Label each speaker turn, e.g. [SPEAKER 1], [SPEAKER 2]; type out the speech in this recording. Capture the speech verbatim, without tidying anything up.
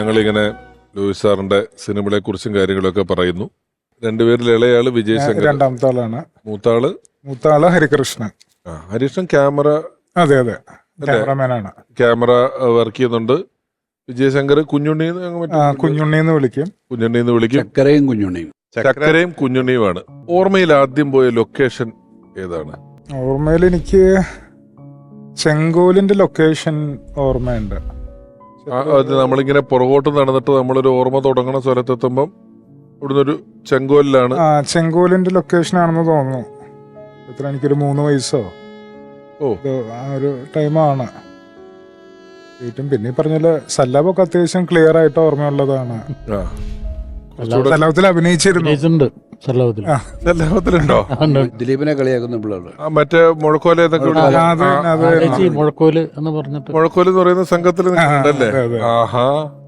[SPEAKER 1] ഞങ്ങളിങ്ങനെ ലൂയിസ് സാറിന്റെ സിനിമകളെ കുറിച്ചും കാര്യങ്ങളൊക്കെ പറയുന്നു. രണ്ടുപേരിൽ ഇളയാള് വിജയ് ശങ്കർ,
[SPEAKER 2] രണ്ടാമത്തെ ആളാണ്.
[SPEAKER 1] മൂത്താള്
[SPEAKER 2] മൂത്താള് ഹരികൃഷ്ണൻ.
[SPEAKER 1] ആ ഹരീഷൻ ക്യാമറ,
[SPEAKER 2] അതെ അതെ ക്യാമറമാനാണ്.
[SPEAKER 1] ക്യാമറ വർക്ക് ചെയ്യുന്നുണ്ട്. വിജയശങ്കർ കുഞ്ഞുണ്ണി
[SPEAKER 2] കുഞ്ഞുണ്ണി എന്ന് വിളിക്കും.
[SPEAKER 1] കുഞ്ഞുണ്ണി എന്ന് വിളിക്കും.
[SPEAKER 3] ചക്കരയും കുഞ്ഞുണ്ണിയും.
[SPEAKER 1] ചക്കരയും കുഞ്ഞുണ്ണിയുമാണ്. ഓർമ്മയിൽ ആദ്യം പോയ ലൊക്കേഷൻ ഏതാണ്?
[SPEAKER 2] ഓർമ്മയിൽ എനിക്ക് ചെങ്കോലിന്റെ ലൊക്കേഷൻ ഓർമ്മയുണ്ട്.
[SPEAKER 1] അത് നമ്മളിങ്ങനെ പുറകോട്ട് നടന്നിട്ട് നമ്മളൊരു ഓർമ്മ തുടങ്ങണ സ്ഥലത്തെത്തുമ്പം ഇവിടുന്ന് ഒരു ചെങ്കോലിലാണ്.
[SPEAKER 2] ആ ചെങ്കോലിന്റെ ലൊക്കേഷൻ ആണെന്ന് തോന്നുന്നു. എത്ര എനിക്കൊരു മൂന്ന് വയസ്സോ
[SPEAKER 1] ഓ
[SPEAKER 2] ആ ഒരു ടൈമാണ്. ഏറ്റവും പിന്നെ പറഞ്ഞാല് സല്ലാബൊക്കെ അത്യാവശ്യം ക്ലിയർ ആയിട്ട് ഓർമ്മയുള്ളതാണ്. സല്ലാബത്തിൽ അഭിനയിച്ചിരുന്നു.
[SPEAKER 1] സല്ലാപത്തിലുണ്ടോ?
[SPEAKER 3] ദിലീപിനെ കളിയാക്കുന്ന പിള്ളേർ
[SPEAKER 1] മറ്റേ മുഴക്കോല
[SPEAKER 4] മുഴക്കോല് എന്ന് പറഞ്ഞിട്ട്
[SPEAKER 1] മുഴക്കോല് എന്ന് പറയുന്ന സംഘത്തിൽ നിൽക്കുന്നുണ്ടല്ലേ? ആഹാ.